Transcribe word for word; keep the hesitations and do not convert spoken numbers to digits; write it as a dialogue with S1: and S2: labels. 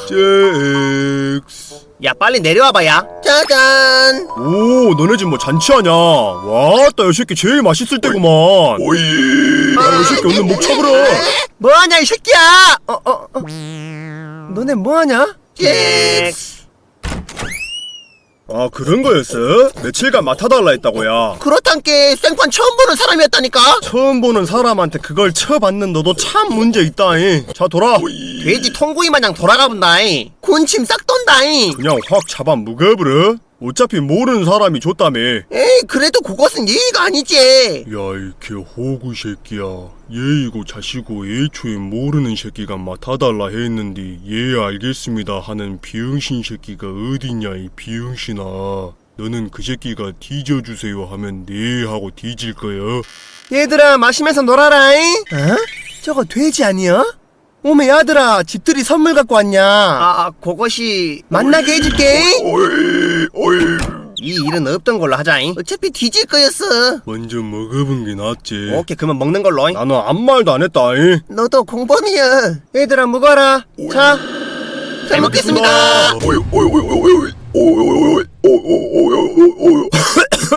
S1: 잭스.
S2: 야 빨리 내려와봐 야. 짜잔.
S1: 오, 너네 집 뭐 잔치하냐? 와따, 이 새끼 제일 맛있을 때구만. 오이. 야, 이 새끼 오늘 목 쳐버려.
S2: 뭐하냐 이 새끼야. 어어 어, 어. 너네 뭐하냐?
S1: 잭스. 아, 그런 거였어? 며칠간 맡아달라 했다고야.
S2: 그렇단께 생판 처음 보는 사람이었다니까.
S1: 처음 보는 사람한테 그걸 쳐받는 너도 참 문제 있다잉. 자, 돌아.
S2: 돼지 통구이 마냥 돌아가본다잉. 군침 싹 돈다잉.
S1: 그냥 확 잡아 묵어버려. 어차피 모르는 사람이 줬다며.
S2: 에이 그래도 그것은 예의가 아니지.
S1: 야, 이 개호구 새끼야. 예이고 자시고 애초에 모르는 새끼가 맡아달라 했는데 예 알겠습니다 하는 비응신 새끼가 어딨냐 이 비응신아. 너는 그 새끼가 뒤져주세요 하면 네 하고 뒤질 거야.
S2: 얘들아 마시면서 놀아라잉. 어? 저거 돼지 아니야? 오메 야들아 집들이 선물 갖고 왔냐? 아 그것이 만나게 해줄게.
S1: 오이 오이.
S2: 이 일은 없던 걸로 하자잉. 어차피 뒤질 거였어.
S1: 먼저 먹어본 게 낫지.
S2: 오케이 그러면 먹는 걸로.
S1: 나는 아무 말도 안 했다잉.
S2: 너도 공범이야. 얘들아 먹어라. 자, 잘 먹겠습니다.
S1: 오이 오이 오이 오이 오이 오이 오이 오이 오이 오이